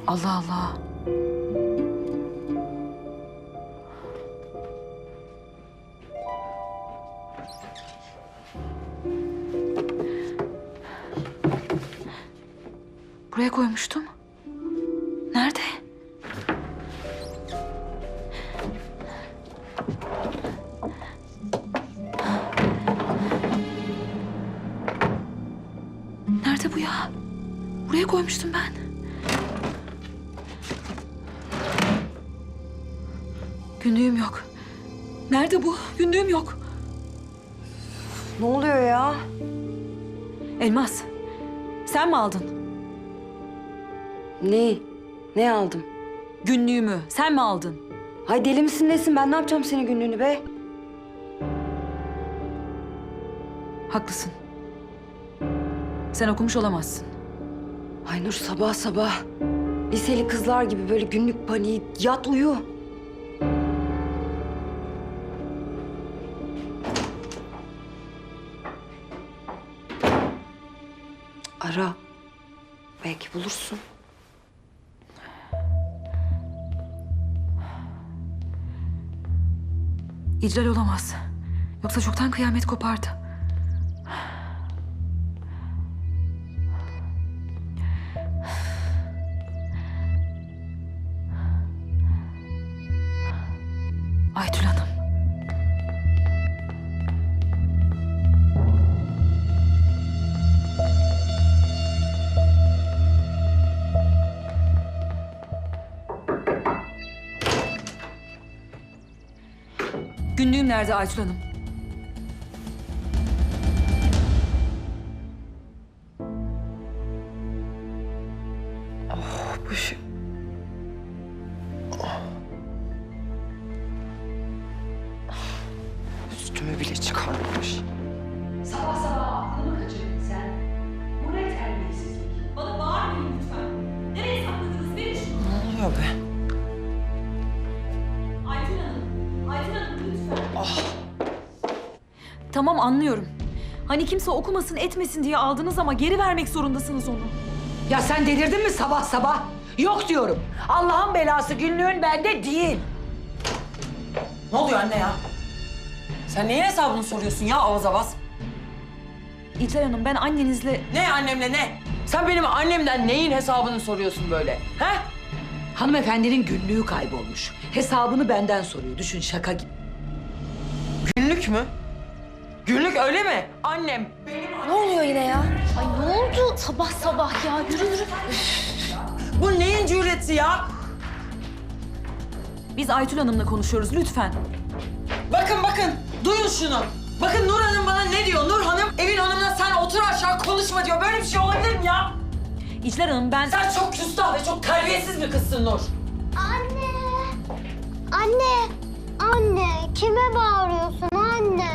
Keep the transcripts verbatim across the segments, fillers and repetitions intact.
Allah Allah. Buraya koymuştum. Nerede? Nerede bu ya? Buraya koymuştum ben. Günlüğüm yok. Nerede bu? Günlüğüm yok. Ne oluyor ya? Elmas, sen mi aldın? Ne? Ne aldım? Günlüğümü sen mi aldın? Hay deli misin nesin? Ben ne yapacağım senin günlüğünü be? Haklısın. Sen okumuş olamazsın. Ay Nur sabah sabah. Liseli kızlar gibi böyle günlük paniği. Yat uyu. Ara. Belki bulursun. İclal olamaz. Yoksa çoktan kıyamet kopardı. Aytül Hanım. Günlüğüm nerede Aytül Hanım? Bu şey... Üstümü bile çıkarmamış. Sabah sabah aklını mı kaçırdın sen? Bu ne terbiyesizlik? Bana bağırmayın lütfen. Nereye sakladınız? Verin şunu. Ne oluyor be? Aytül Hanım, Aytül Hanım lütfen. Ah. Tamam anlıyorum. Hani kimse okumasın etmesin diye aldınız ama geri vermek zorundasınız onu. Ya sen delirdin mi sabah sabah? Yok diyorum. Allah'ın belası günlüğün bende değil. Ne oluyor anne ya? Sen neyin hesabını soruyorsun ya avaz avaz? İclal Hanım ben annenizle... Ne annemle ne? Sen benim annemden neyin hesabını soruyorsun böyle? He? Hanımefendinin günlüğü kaybolmuş. Hesabını benden soruyor. Düşün şaka gibi. Günlük mü? Günlük öyle mi? Annem Ne oluyor yine ya? Ay ne oldu sabah sabah ya? Yürü yürü. bu neyin cüreti ya? Biz Aytül Hanım'la konuşuyoruz lütfen. Bakın bakın duyun şunu. Bakın Nur Hanım bana ne diyor? Nur Hanım evin hanımına sen otur aşağı konuşma diyor. Böyle bir şey olabilir mi ya? İclal Hanım ben... Sen çok küstah ve çok terbiyesiz bir kızsın Nur. Anne. Anne. Anne. Kime bağırıyorsun anne?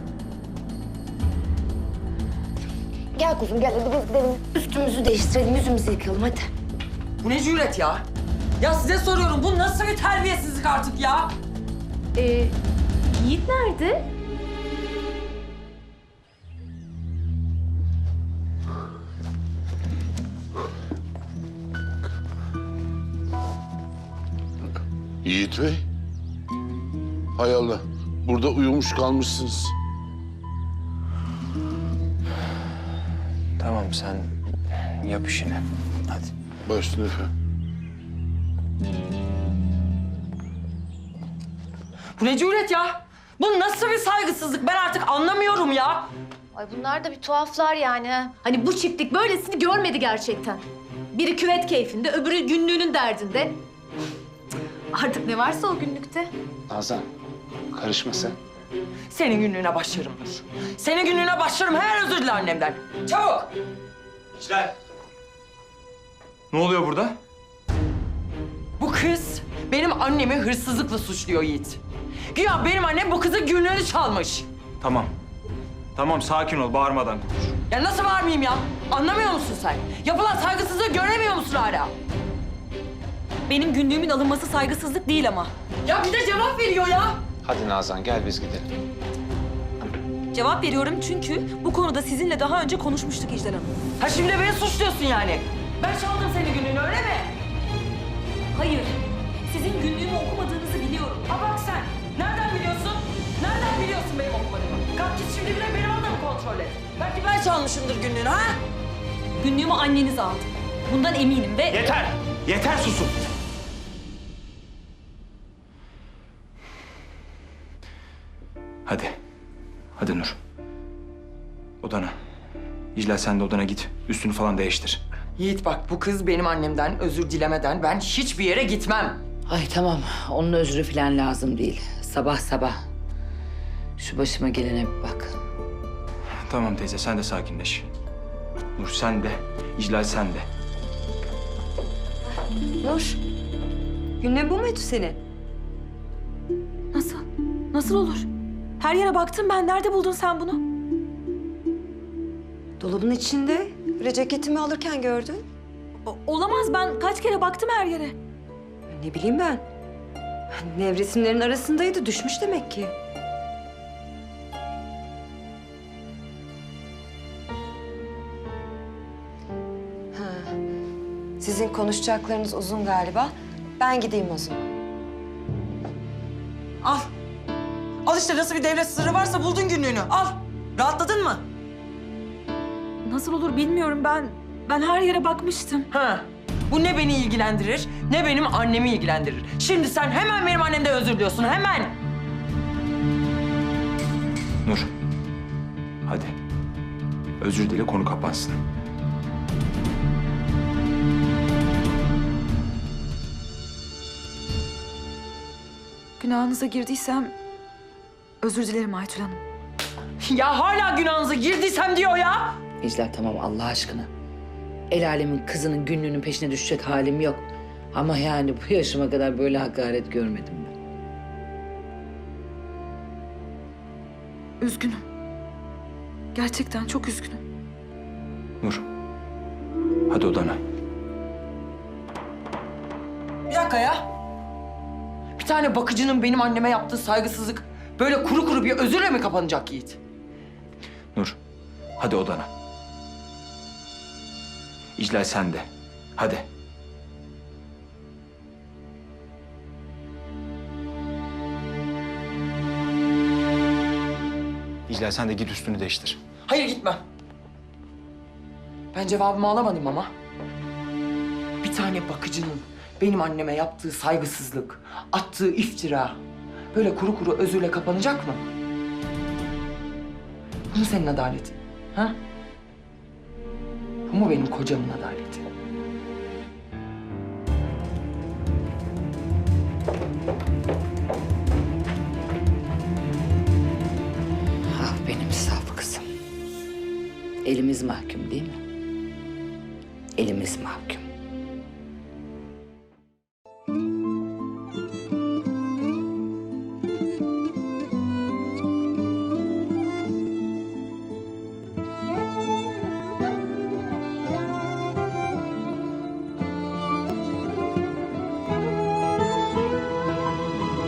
Gel kuzum gel hadi biz gidelim. Üstümüzü değiştirelim, yüzümüzü yıkayalım hadi. Bu ne cüret ya? Ya size soruyorum bu nasıl bir terbiyesizlik artık ya? Ee, Yiğit nerede? Yiğit Bey. Hay Allah. Burada uyumuş kalmışsınız. Tamam sen yap işini. Hadi. Başüstüne efendim. Bu ne cüret ya? Bu nasıl bir saygısızlık? Ben artık anlamıyorum ya. Ay bunlar da bir tuhaflar yani. ha. Hani bu çiftlik böylesini görmedi gerçekten. Biri küvet keyfinde, öbürü günlüğünün derdinde. Artık ne varsa o günlükte. Nazan karışma sen. Senin günlüğüne başlarım Nur. Senin günlüğüne başlarım. Hemen özür dile annemden. Çabuk. İşler. Ne oluyor burada? Bu kız benim annemi hırsızlıkla suçluyor Yiğit. Güya benim annem bu kızın günlüğünü çalmış. Tamam. Tamam sakin ol bağırmadan konuş. Ya nasıl varmayayım ya? Anlamıyor musun sen? Yapılan saygısızlığı göremiyor musun hala? Benim günlüğümün alınması saygısızlık değil ama. Ya bir de cevap veriyor ya. Hadi Nazan gel biz gidelim. Cevap veriyorum çünkü bu konuda sizinle daha önce konuşmuştuk İclal Hanım. Ha şimdi beni suçluyorsun yani. Ben çaldım senin günlüğünü öyle mi? Hayır. Sizin günlüğümü okumadığınızı biliyorum. Ha bak sen. Nereden biliyorsun? Nereden biliyorsun benim okumadığımı? Kalk git şimdi bile beni orada mı kontrol et? Belki ben çalmışımdır günlüğünü ha? Günlüğümü anneniz aldı. Bundan eminim ve... Yeter! Yeter susun! Hadi. Hadi Nur. Odana. İclal sen de odana git. Üstünü falan değiştir. Yiğit bak bu kız benim annemden özür dilemeden ben hiçbir yere gitmem. Ay tamam, onun özrü falan lazım değil. Sabah sabah. Şu başıma gelene bir bak. Tamam teyze sen de sakinleş. Nur sen de. İclal sen de. Nur, günlüğün bu muydu senin? Nasıl? Nasıl olur? Her yere baktım ben. Nerede buldun sen bunu? Dolabın içinde. Böyle ceketimi alırken gördün. O- olamaz. Ben kaç kere baktım her yere. Ne bileyim ben. Nevresimlerin arasındaydı. Düşmüş demek ki. Ha. Sizin konuşacaklarınız uzun galiba. Ben gideyim o zaman. Al. Al işte nasıl bir devlet sırrı varsa buldun günlüğünü. Al. Rahatladın mı? Nasıl olur bilmiyorum ben. Ben her yere bakmıştım. Ha. Bu ne beni ilgilendirir, ne benim annemi ilgilendirir. Şimdi sen hemen benim annemden özür diliyorsun, hemen. Nur. Hadi. Özür dile konu kapansın. Günahınıza girdiysem özür dilerim Aytül Hanım. Ya hala günahınıza girdiysem diyor ya. İclal tamam Allah aşkına. El alemin kızının günlüğünün peşine düşecek halim yok. Ama yani bu yaşıma kadar böyle hakaret görmedim ben. Üzgünüm. Gerçekten çok üzgünüm. Nur. Hadi odana. Bir dakika ya. Bir tane bakıcının benim anneme yaptığı saygısızlık böyle kuru kuru bir özürle mi kapanacak Yiğit? Nur. Hadi odana. İclal sen de. Hadi. İclal sen de git üstünü değiştir. Hayır gitmem. Ben cevabımı alamadım ama. Bir tane bakıcının benim anneme yaptığı saygısızlık, attığı iftira böyle kuru kuru özürle kapanacak mı? Bu mu senin adaletin? Ha? Bu mu benim kocamın adaleti? Ah benim saf kızım. Elimiz mahkum değil mi? Elimiz mahkum.